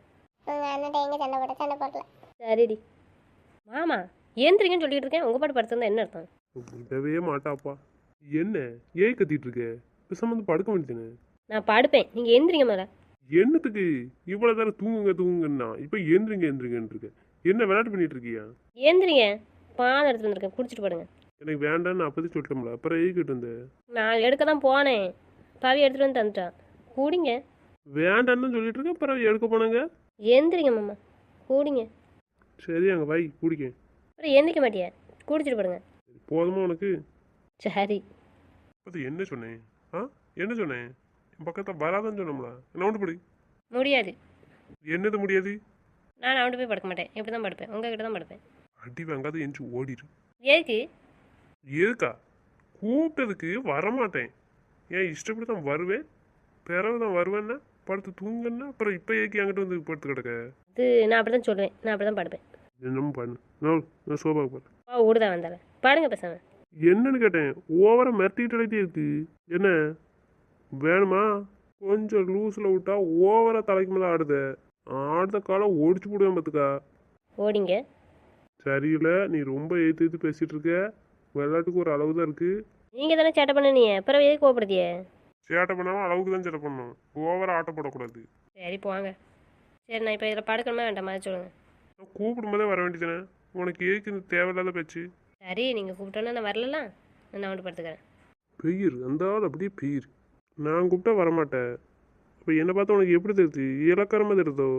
[SPEAKER 4] உங்கள் அண்ணன் எங்கே சண்டை போடல.
[SPEAKER 3] சரிடி மாமா ஏந்திரிங்கன்னு சொல்லிட்டு இருக்கேன், உங்கள் பாட்டு படுத்திருந்தா என்ன அர்த்தம்?
[SPEAKER 1] விடவே மாட்டாப்பா. என்ன ஏன் கத்திட்டு இருக்க? பேசாம வந்து படுக்க வேண்டியதுன்னு.
[SPEAKER 3] நான் படுப்பேன், நீங்கள் எந்திரிங்க மேலே.
[SPEAKER 1] என்னத்துக்கு இவ்வளவு நேரம் தூங்குங்க தூங்குங்கன்னா இப்ப எந்திரிங்கன்னு இருக்க? என்ன விளையாட்டு பண்ணிட்டு இருக்கியா?
[SPEAKER 3] ஏந்திரிங்க, பால் எடுத்துட்டு வந்திருக்கேன், குடிச்சிட்டு படுங்க.
[SPEAKER 1] எனக்கு வேண்டான்னு அப்போதைக்கு சொல்லிட்டோம்ல, அப்புறம் ஏகிட்டு இருந்த.
[SPEAKER 3] நான் எடுக்க தான் போனேன், பவி எடுத்துகிட்டு வந்து தந்துட்டான். கூடிங்க.
[SPEAKER 1] வேண்டான்னு சொல்லிட்டு இருக்க, அப்புறம் எடுக்க போனாங்க.
[SPEAKER 3] எந்திரிங்க மாமா, கூடிங்க.
[SPEAKER 1] சரி அங்கே வை குடிக்க.
[SPEAKER 3] அப்புறம் எந்திரிக்க மாட்டியா? குடிச்சிட்டு படுங்க.
[SPEAKER 1] போதுமா உனக்கு?
[SPEAKER 3] சரி.
[SPEAKER 1] அது என்ன சொன்னேன்? என்ன சொன்னேன்? என் பக்கத்தில் வராதான்னு சொன்னோம்ல, என்ன ஒன்று படி.
[SPEAKER 3] முடியாது.
[SPEAKER 1] என்னது முடியாது?
[SPEAKER 3] நான் அவன்கிட்ட போய் படுக்க மாட்டேன், இப்படி தான் படுப்பேன், உங்ககிட்ட தான் படுப்பேன்.
[SPEAKER 1] அடி வாங்காத எஞ்சி ஓடிடு.
[SPEAKER 3] எதுக்கு?
[SPEAKER 1] எதுக்கா? கூப்பிட்டதுக்கு வரமாட்டேன். ஏன் இஷ்டப்படி தான் வருவேன், பிறகு தான் வருவேன்னா படுத்து தூங்கன்னா, அப்புறம் இப்போ ஏக்கி என்கிட்ட வந்து படுத்து கிடக்க.
[SPEAKER 3] இது நான் அப்படி தான் சொல்லுவேன், நான் அப்படி தான் படுப்பேன்.
[SPEAKER 1] என்னமோ பண்ணு. நான் சோபாவுக்கு போகிறேன்.
[SPEAKER 3] ஊடுதான் வந்தால பாடுங்க பேசாம.
[SPEAKER 1] என்னன்னு கேட்டேன். ஓவரா மிரட்டிட்டு இருக்கு. என்ன வேணுமா? கொஞ்சம் லூஸில் விட்டா ஓவரா தலைக்கு மேலே ஆடுத. ஆடுத காலம் ஒடிச்சு போடுவேன் பார்த்துக்கா.
[SPEAKER 3] ஓடிங்க.
[SPEAKER 1] சரியில்லை, நீ ரொம்ப ஏற்று பேசிட்டு இருக்க. விளையாட்டுக்கு ஒரு அளவு தான் இருக்கு.
[SPEAKER 3] நீங்கள் தானே சேட்டை பண்ண, நீ அப்புறம் எதுக்கு கோபப்படுத்தியே?
[SPEAKER 1] சேட்டை பண்ணாமல் அளவுக்கு தான் சேட்டை பண்ணணும், ஓவரா ஆட்டப்படக்கூடாது.
[SPEAKER 3] சரி போங்க. சரி நான் இப்போ இதில் படுக்கணுமா வேண்டாம் மாதிரி சொல்லுங்கள்.
[SPEAKER 1] நான் கூப்பிடும் போதே வர வேண்டியதானே, உனக்கு ஏக்கு இந்த தேவையில்லாத பேச்சு.
[SPEAKER 3] சரி நீங்கள் கூப்பிட்டோன்னா நான் வரலாம், நான் வந்து படுத்துக்கிறேன்.
[SPEAKER 1] பெயிர் அந்த ஆள் அப்படியே பெயிர். நான் கூப்பிட்டா வரமாட்டேன். இப்போ என்னை பார்த்தா உனக்கு எப்படி தெரியுது? இலக்கரமாக தெரியுதோ?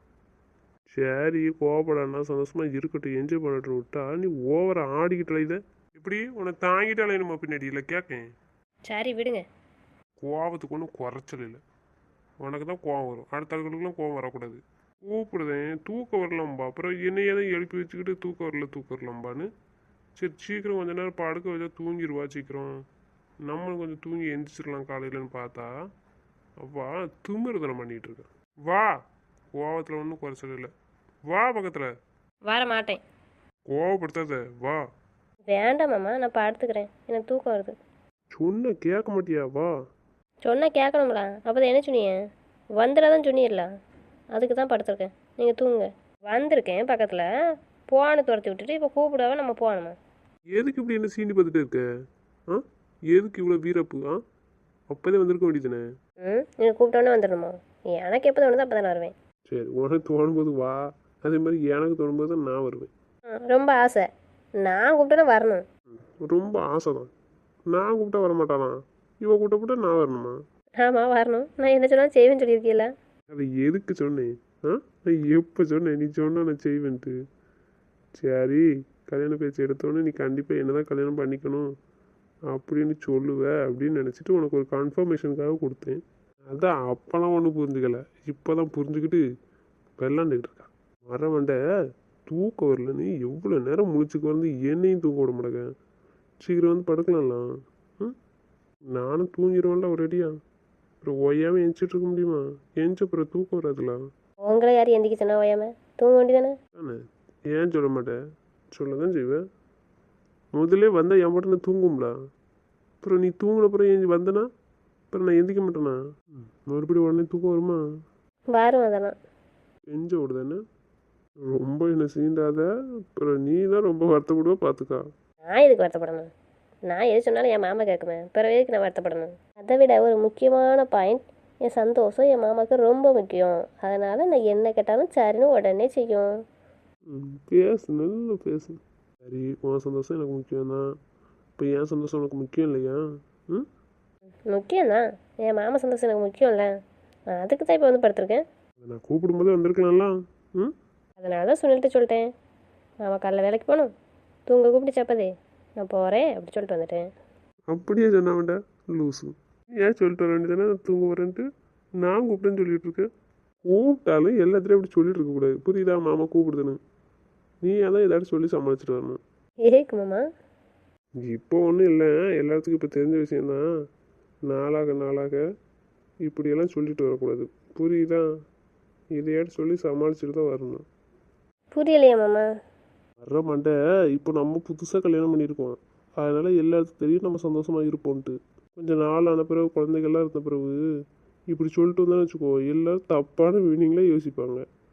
[SPEAKER 1] சரி கோவப்படானா சந்தோஷமாக இருக்கட்டும், என்ஜாய் பண்ணட்டும் விட்டா நீ ஓவரா ஆடிக்கிட்டு அலையுத. இப்படி உன்னை தாங்கிட்டு அலையணுமா பின்னாடி? இல்லை கேட்கேன்.
[SPEAKER 3] சரி விடுங்க.
[SPEAKER 1] கோவத்துக்கு ஒன்றும் குறைச்சல் இல்லை. உனக்கு தான் கோவம் வரும், அடுத்த ஆளுகளுக்குலாம் கோவம் வரக்கூடாது. கூப்பிடுதேன் தூக்கம் வரலாம்பா, அப்புறம் என்னையே தான் எழுப்பி வச்சுக்கிட்டு தூக்கம் வரலாம்பான்னு. சரி சீக்கிரம் கொஞ்ச நேரம் படுக்க வச்சா தூங்கிடுவா சீக்கிரம், நம்மளும் கொஞ்சம் தூங்கி எந்திரிச்சிடலாம் காலையிலன்னு பார்த்தா வா திமிருதனம் பண்ணிகிட்டு இருக்கேன். வா, கோவத்தில் ஒன்றும் குறைச்சல் இல்லை. வா பக்கத்தில்.
[SPEAKER 3] வர மாட்டேன்.
[SPEAKER 1] கோவப்படுத்தாத, வா.
[SPEAKER 3] வேண்டாம் மாமா, நான் படுத்துக்கிறேன், எனக்கு தூக்கம் வருது.
[SPEAKER 1] சொன்ன கேட்க மாட்டியா? வா.
[SPEAKER 3] சொன்னால் கேட்கணும்ல, அப்போ தான் என்ன சொன்னீங்க? வந்துடாதான் சொன்னீர்ல, அதுக்கு தான் படுத்துருக்கேன், நீங்கள் தூங்குங்க. வந்திருக்கேன் பக்கத்தில், போன துரத்தி விட்டுட்டு இப்போ கூப்பிடாம நம்ம போகணுமா?
[SPEAKER 1] எதுக்கு இப்படி என்ன சீண்டி பார்த்துட்டு இருக்க? எதுக்கு இவ்வளோ வீரப்பு? அப்போதே வந்திருக்க வேண்டியதுனே.
[SPEAKER 3] நீங்கள் கூப்பிட்டோன்னே வந்துடணுமா? எனக்கு எப்போ தோணுதோ அப்போ தான் வருவேன்.
[SPEAKER 1] சரி உனக்கு தோணும்போது வா, அதே மாதிரி எனக்கு தோணும்போது தான் நான் வருவேன்.
[SPEAKER 3] ரொம்ப ஆசை, நான் கூப்பிட்டோன்னே வரணும்.
[SPEAKER 1] ரொம்ப ஆசை தான். நான் கூப்பிட்டா வரமாட்டானா? இவன் கூப்பிட்ட நான் வரணுமா?
[SPEAKER 3] ஆமாம் வரணும், நான் என்ன சொன்னாலும் செய்வேன்னு சொல்லியிருக்கீல்ல.
[SPEAKER 1] அதை எதுக்கு சொன்னேன்? நான் எப்போ சொன்னேன் நீ சொன்ன நான் செய்வேன்ட்டு? சரி கல்யாண பேச்சு எடுத்தோன்னே நீ கண்டிப்பாக என்ன தான் கல்யாணம் பண்ணிக்கணும் அப்படின்னு சொல்லுவ அப்படின்னு நினச்சிட்டு உனக்கு ஒரு கன்ஃபர்மேஷனுக்காக கொடுத்தேன். அதான் அப்போலாம் ஒன்றும் புரிஞ்சுக்கல, இப்போ தான் புரிஞ்சுக்கிட்டு வெள்ளாண்டுக்கிட்டு இருக்கா. மரவண்ட தூக்கம் வரலன்னு எவ்வளோ நேரம் முழிச்சுக்கு வந்து என்னையும் தூக்க விட மாட்டேங்க. சீக்கிரம் வந்து படுக்கலாம்லாம். நானும் தூங்கிடுவேன்ல ஒரேடியா, அப்புறம் ஒய்யாமல் எந்திரிச்சிட்டு இருக்க முடியுமா? எந்திரிச்ச அப்புறம் தூக்கம் வராதுலாம்.
[SPEAKER 3] உங்களை யார் எந்திரிக்க சொன்னா ஓயாம தூங்க வேண்டியதானே?
[SPEAKER 1] தானே? ஏன் சொல்ல மாட்டேன்? சொல்ல தான் செய்வேன். முதல்ல வந்தால் என் மட்டும் நான் தூங்கும்ல, அப்புறம் நீ தூங்கின அப்புறம் ஏஞ்சி வந்தனா அப்புறம் நான் எந்திக்க மாட்டேனா? மறுபடியும் உடனே தூக்கம் வருமா?
[SPEAKER 3] வரும் அதெல்லாம்.
[SPEAKER 1] எஞ்ச விடுதானே. ரொம்ப என்ன சீண்டாத, அப்புறம் நீ தான் ரொம்ப வருத்தப்படுவா பார்த்துக்கா.
[SPEAKER 3] நான் எதுக்கு வருத்தப்படணும்? நான் எது சொன்னாலும் என் மாமா கேட்குமே, பிறகு எதுக்கு நான் வருத்தப்படணும்? அதை விட ஒரு முக்கியமான பாயிண்ட், என் சந்தோஷம் என் மாமாவுக்கு ரொம்ப முக்கியம். அதனால் நான் என்ன கேட்டாலும் சரின்னு உடனே செய்யும்.
[SPEAKER 1] பேசு, நல்லா பேசு. சரி உன் சந்தோஷம் எனக்கு முக்கியம்தான், இப்போ என் சந்தோஷம் உனக்கு முக்கியம் இல்லையா?
[SPEAKER 3] முக்கியம்தான், என் மாமா சந்தோஷம் எனக்கு முக்கியம்ல, அதுக்கு தான் இப்போ வந்து படுத்துருக்கேன்.
[SPEAKER 1] நான் கூப்பிடும்போதே வந்திருக்கலாம்ல.
[SPEAKER 3] அதனால தான் சொல்லிட்டேன், மாமா காலைல வேலைக்கு போகணும், தூங்க கூப்பிட்டு சப்பதே நான் போகிறேன் அப்படி சொல்லிட்டு வந்துட்டேன்.
[SPEAKER 1] அப்படியே சொன்ன வேண்டாம் லூஸு. ஏன் சொல்லிட்டு வர வேண்டியதானே நான் தூங்க வரேன்ட்டு? நான் கூப்பிட்டேன்னு சொல்லிட்டு இருக்கேன். கூப்பிட்டாலும் எல்லாத்துலேயும் அப்படி சொல்லிட்டு இருக்கக்கூடாது, புரியுதா? மாமா கூப்பிடுதுன்னு நீ அதான் ஏதாச்சும் சொல்லி சமாளிச்சுட்டு வரணும்.
[SPEAKER 3] ஏக்கு மாமா?
[SPEAKER 1] இப்போ ஒன்றும் இல்லை, எல்லாத்துக்கும் இப்போ தெரிஞ்ச விஷயந்தான். நாளாக இப்படியெல்லாம் சொல்லிட்டு வரக்கூடாது, புரியுதா? இதையாட்டு சொல்லி சமாளிச்சுட்டு தான் வரணும்.
[SPEAKER 3] புரியலையா மாமா?
[SPEAKER 1] வர்ற மண்டை இப்போ நம்ம புதுசாக கல்யாணம் பண்ணியிருக்கோம், அதனால் எல்லாத்துக்கும் தெரியும் நம்ம சந்தோஷமாக இருப்போன்ட்டு. கொஞ்சம் நாள் ஆன பிறகு குழந்தைகள்லாம் இருந்த பிறகு இப்படி சொல்லிட்டு வந்தான்னு வச்சுக்கோ, எல்லோரும் தப்பான மீனிங்கில் யோசிப்பாங்க.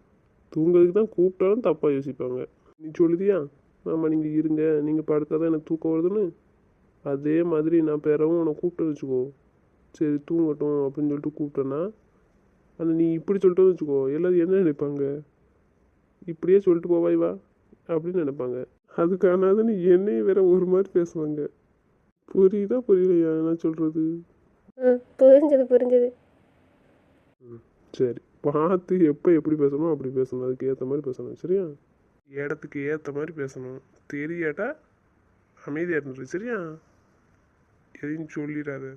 [SPEAKER 1] தூங்குறதுக்கு தான் கூப்பிட்டாலும் தப்பாக யோசிப்பாங்க. நீ சொல்லுதியா மாமா நீங்கள் இருங்க, நீங்கள் படுத்தா தான் எனக்கு தூக்கம் வருதுன்னு. அதே மாதிரி நான் பிறவும் உன்னை கூப்பிட்டு வச்சுக்கோ, சரி தூங்கட்டும் அப்படின்னு சொல்லிட்டு கூப்பிட்டேன்னா, ஆனால் நீ இப்படி சொல்லிட்டு வச்சுக்கோ, எல்லாரும் என்ன நினைப்பாங்க, இப்படியே சொல்லிட்டு போவாய் வா அப்படின்னு நினைப்பாங்க. அதுக்கானதுன்னு என்னையும் வேற ஒரு மாதிரி பேசுவாங்க. புரியுதா புரியலையா நான் சொல்கிறது?
[SPEAKER 3] ம், புரிஞ்சுது.
[SPEAKER 1] சரி, பார்த்து எப்போ எப்படி பேசணும் அப்படி பேசணும், அதுக்கு ஏற்ற மாதிரி பேசணும் சரியா? இடத்துக்கு ஏற்ற மாதிரி பேசணும். தெரியாட்டா அமைதியாக இருந்துரு சரியா? எதையும் சொல்லிடாத.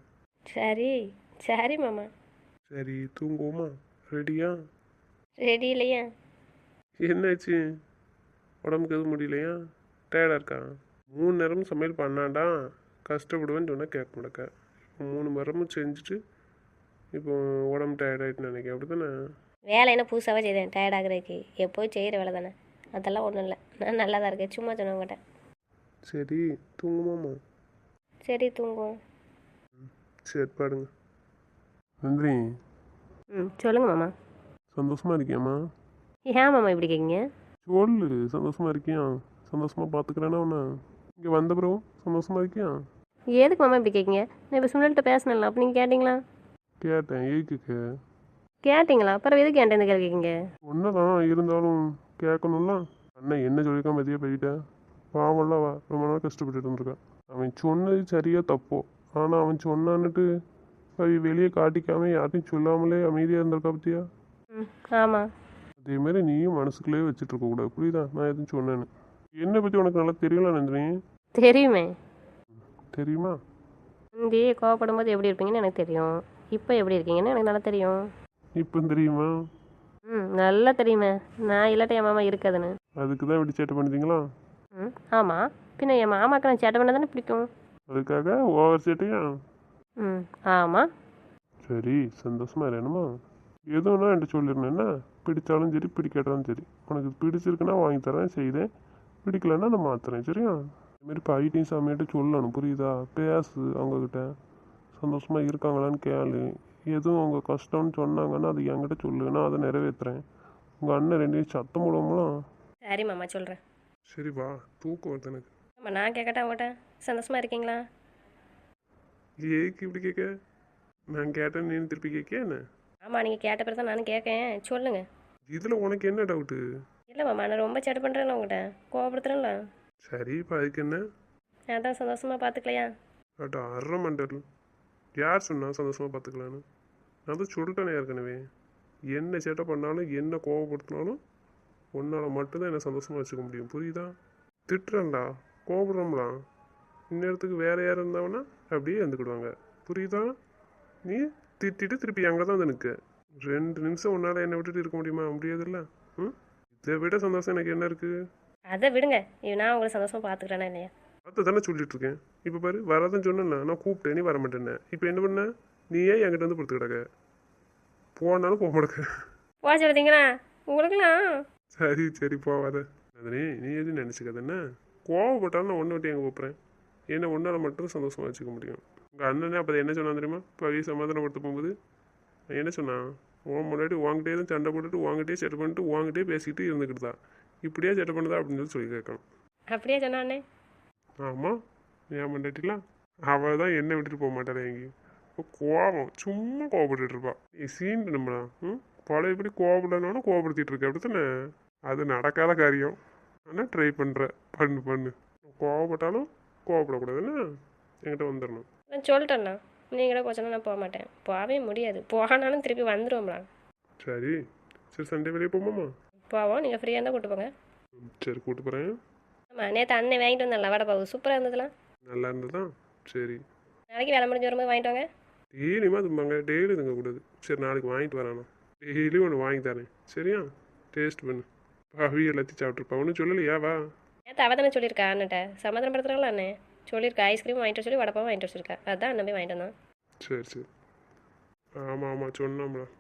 [SPEAKER 3] சரி மாமா.
[SPEAKER 1] சரி தூங்குவோமா? ரெடியா?
[SPEAKER 3] ரெடி இல்லையா?
[SPEAKER 1] என்னாச்சு, உடம்புக்கு எதுவும் முடியலையா? டயர்டாக இருக்கா? 3 நேரமும் சமையல் பண்ணாண்டா கஷ்டப்படுவேன்னு சொன்னால் கேட்க மாட்டேக்க. இப்போ 3 நேரமும் செஞ்சுட்டு இப்போ உடம்பு டயர்டாயிட்டுன்னு நினைக்கிறேன், அப்படி தானே?
[SPEAKER 3] வேலை என்ன புதுசாகவே செய்தேன் டயர்டாகிறதுக்கு? எப்போயும் செய்கிற வேலை தானே, அதெல்லாம் ஒன்றும் இல்லை. நான் நல்லா தான் இருக்கேன், சும்மா சொன்ன மாட்டேன்.
[SPEAKER 1] சரி தூங்குமாம்மா?
[SPEAKER 3] சரி தூங்குவோம்.
[SPEAKER 1] சரி பாருங்க. நந்தினி,
[SPEAKER 3] ம், சொல்லுங்கள் மாமா.
[SPEAKER 1] சந்தோஷமா இருக்கியாம்மா?
[SPEAKER 3] ஏன் மாமா இப்படி கேட்குங்க?
[SPEAKER 1] சொல்லு, சந்தோஷமா இருக்கியா? சந்தோஷமா பார்த்துக்கிறேன்னா ஒன்று, இங்கே வந்த பிறகு சந்தோஷமா இருக்கியா?
[SPEAKER 3] எதுக்கு மாமா இப்படி கேட்குங்க? நான் இப்போ சுனில்கிட்ட பேசினேன்ல, அப்போ நீங்கள் கேட்டிங்களா?
[SPEAKER 1] கேட்டேன், ஏய்க்கு
[SPEAKER 3] கேட்டிங்களா? அப்புறம் எதுக்கு என்கிட்ட இந்த கேள்வி கேட்குங்க?
[SPEAKER 1] ஒன்றுதான் இருந்தாலும் கேட்கணும்ல. அண்ணன் என்ன சொல்லியிருக்கான் மதியம் போயிட்டேன். பாவம்ல அவ ரொம்ப நாள் கஷ்டப்பட்டுட்டு இருந்திருக்கா. அவன் சொன்னது சரியா தப்போ, ஆனால் அவன் சொன்னான்னுட்டு அவ வெளியே காட்டிக்காம யார்ட்டையும் சொல்லாமலே அமைதியாக இருந்திருக்கா பத்தியா?
[SPEAKER 3] ம், ஆமாம்.
[SPEAKER 1] அதேமாரி நீயும் மனசுக்குள்ளே வச்சுட்டு இருக்கக்கூடாது, புரியுதா? நான் எதுவும் சொன்னேன்னு என்னை பற்றி உனக்கு நல்லா தெரியல நந்தினி.
[SPEAKER 3] தெரியுமே.
[SPEAKER 1] தெரியுமா?
[SPEAKER 3] முந்தி கோவப்படும் போது எப்படி இருப்பீங்கன்னு எனக்கு தெரியும், இப்போ எப்படி இருக்கீங்கன்னு எனக்கு நல்லா தெரியும்.
[SPEAKER 1] இப்போ தெரியுமா?
[SPEAKER 3] ம், நல்லா தெரியுமே. நான் இல்லாட்ட என் மாமா இருக்காதுன்னு.
[SPEAKER 1] அதுக்கு தான் இப்படி சேட்டை பண்ணிட்டீங்களா?
[SPEAKER 3] ம், ஆமாம். பின்ன என் மாமாவுக்கு நான் சேட்டை பண்ண தானே பிடிக்கும்.
[SPEAKER 1] அதுக்காக ஓவர் சேட்டையா?
[SPEAKER 3] ம், ஆமாம்.
[SPEAKER 1] சரி சந்தோஷமா இருக்கணுமா? எதுவும்னா என்கிட்ட சொல்லிடணும் என்ன? பிடிச்சாலும் சரி பிடிக்காட்டாலும் சரி, உனக்கு பிடிச்சிருக்குன்னா வாங்கி தரேன் செய்தேன், பிடிக்கலன்னா நான் மாத்துறேன் சரியா? இதுமாரி பைட்டையும் சாமியாட்ட சொல்லணும், புரியுதா? பேசு அவங்கக்கிட்ட, சந்தோஷமா இருக்காங்களான்னு கேளு. எதுவும் அவங்க கஷ்டம்னு சொன்னாங்கன்னா அது என்கிட்ட சொல்லு, நான் அதை நிறைவேற்றுறேன். உங்கள் அண்ணன் 2 சத்தம் போடுவோம்லாம்.
[SPEAKER 3] சரி மாமா, சொல்கிறேன்.
[SPEAKER 1] சரி வா, தூக்கம் வருது எனக்கு.
[SPEAKER 3] ஆமாம், நான் கேட்கட்டா அவங்கள்ட்ட, சந்தோஷமாக இருக்கீங்களா?
[SPEAKER 1] ஏக்கு இப்படி கேட்க? நான் கேட்டேன்னு நீ திருப்பி கேட்க என்ன?
[SPEAKER 3] ஆமாம், நீங்கள் கேட்ட பிறகு தான் நானும் கேட்கேன், சொல்லுங்கள்.
[SPEAKER 1] இதில் உனக்கு என்ன டவுட்டு?
[SPEAKER 3] இல்லை மாமா, நான் ரொம்ப சேட்டை பண்ணுறேன்ல உங்கள்கிட்ட, கோவப்படுத்துறேன்ல.
[SPEAKER 1] சரி இப்போ அதுக்கு என்ன?
[SPEAKER 3] அதான் சந்தோஷமாக பார்த்துக்கலையா?
[SPEAKER 1] அட்டா அரை மண்டல். யார் சொன்னா சந்தோஷமாக பார்த்துக்கலான்னு? நான் தான் சொல்லிட்டேனே ஏற்கனவே, என்ன சேட்டை பண்ணாலும் என்ன கோவப்படுத்தினாலும் உன்னால் மட்டும்தான் என்னை சந்தோஷமாக வச்சுக்க முடியும், புரியுதா? திட்டுறேன்டா, கோபப்படுறோம்லாம், இந்நேரத்துக்கு வேறு யார் இருந்தாங்கன்னா அப்படியே இருந்துக்கிடுவாங்க, புரியுதா? நீ திட்டிட்டு திருப்பி அங்கே தான் வந்து நிற்க. 2 நிமிஷம் உன்னால் என்னை விட்டுட்டு இருக்க முடியுமா? முடியாதுல்ல. ம், இதை விட சந்தோஷம் எனக்கு என்ன இருக்குது?
[SPEAKER 3] அதை விடுங்க, நான் உங்களை சந்தோஷமாக பார்த்துக்கிறேன்னா இல்லையா?
[SPEAKER 1] அதை தானே சொல்லிட்டு இருக்கேன். இப்போ பாரு, வரதான் சொன்னேன்ல, நான் கூப்பிட்டேன் நீ வர மாட்டேன்னே. இப்போ என்ன பண்ண? நீயே என்கிட்ட வந்து படுத்து கிடக்க, போனாலும் போக மாட்டேக்க.
[SPEAKER 3] போக சொல்லுதீங்களா உங்களுக்குலாம்?
[SPEAKER 1] சரி சரி போவாத. அதனே நீ எதுவும் நினச்சிக்காத என்ன? கோவப்பட்டாலும் நான் ஒன்று விட்டு எங்கே போகிறேன்? என்ன ஒன்றால் மட்டும் சந்தோஷமாக வச்சுக்க முடியும். உங்கள் அண்ணனே அப்போ என்ன சொன்னான் தெரியுமா? பவி சமாதானப்படுத்த போகும்போது என்ன சொன்னான்? உன் முன்னாடி உங்ககிட்டே தான் சண்டை போட்டுட்டு உங்ககிட்டே செட்டை பண்ணிட்டு உங்ககிட்டே பேசிக்கிட்டு இருந்துக்கிட்டு தான் இப்படியே செட்டை பண்ணுதா அப்படின்னு சொல்லி கேட்கணும்.
[SPEAKER 3] அப்படியே சொன்னானே.
[SPEAKER 1] ஆமாம், ஏன் பண்ணாட்டிலாம் அவள் தான் என்னை விட்டுட்டு போக மாட்டாள் எங்கேயும். இப்போ கோபம் சும்மா கோவப்பட்டுட்டு இருப்பா. நீ சீண்டு நம்மளா பழையபடி கோவப்படனாலும் கோவப்படுத்திட்டு இருக்க, அப்படி தானே? அது நடக்காத காரியம். ஆனால் ட்ரை பண்ணுற, பண்ணு. கோவப்பட்டாலும் கோவப்படக்கூடாதுன்னு என்கிட்ட வந்துடணும்.
[SPEAKER 3] நான் சொல்லிட்டேண்ணா, நீங்களே போச்சோன்னா நான் போக மாட்டேன், போகவே முடியாது. போனாலும் திருப்பி வந்துடுவோம்லாம்.
[SPEAKER 1] சரி சண்டே வெளியே போமாம்மா?
[SPEAKER 3] போவோம், நீங்கள் ஃப்ரீயாக இருந்தால் கூப்பிட்டு போங்க.
[SPEAKER 1] சரி கூப்பிட்டு போகிறேன்.
[SPEAKER 3] ஆமாம், நேற்று அண்ணன் வாங்கிட்டு வந்தேன்ல வடை பாவு, சூப்பராக இருந்ததுலாம்.
[SPEAKER 1] நல்லா இருந்ததா? சரி
[SPEAKER 3] நாளைக்கு வேலை முடிஞ்சு வரும்போது வாங்கிட்டு வாங்க.
[SPEAKER 1] டெய்லியுமா தும்பாங்க, டெய்லி தூங்கக்கூடாது. சரி நாளைக்கு வாங்கிட்டு வரானா, டெய்லி ஒன்று வாங்கி தரேன் சரியா? டேஸ்ட் பண்ணு. பவி எல்லாத்தையும் சாப்பிட்ருப்பா, ஒன்றும் சொல்லலையா? வா.
[SPEAKER 3] நேற்று அவள் தானே சொல்லியிருக்கா அண்ணன்ட்ட, சமாதானப்படுத்துகிறாங்களா அண்ணன்? சொல்லியிருக்கா ஐஸ்கிரீம் வாங்கிட்டு வர சொல்லி வடப்பாவும் வாங்கிட்டு வச்சிருக்கா, அதான் அண்ணன் போய் வாங்கிட்டு வந்தான்.
[SPEAKER 1] சரி ஆமாம் சொன்னோம்ல.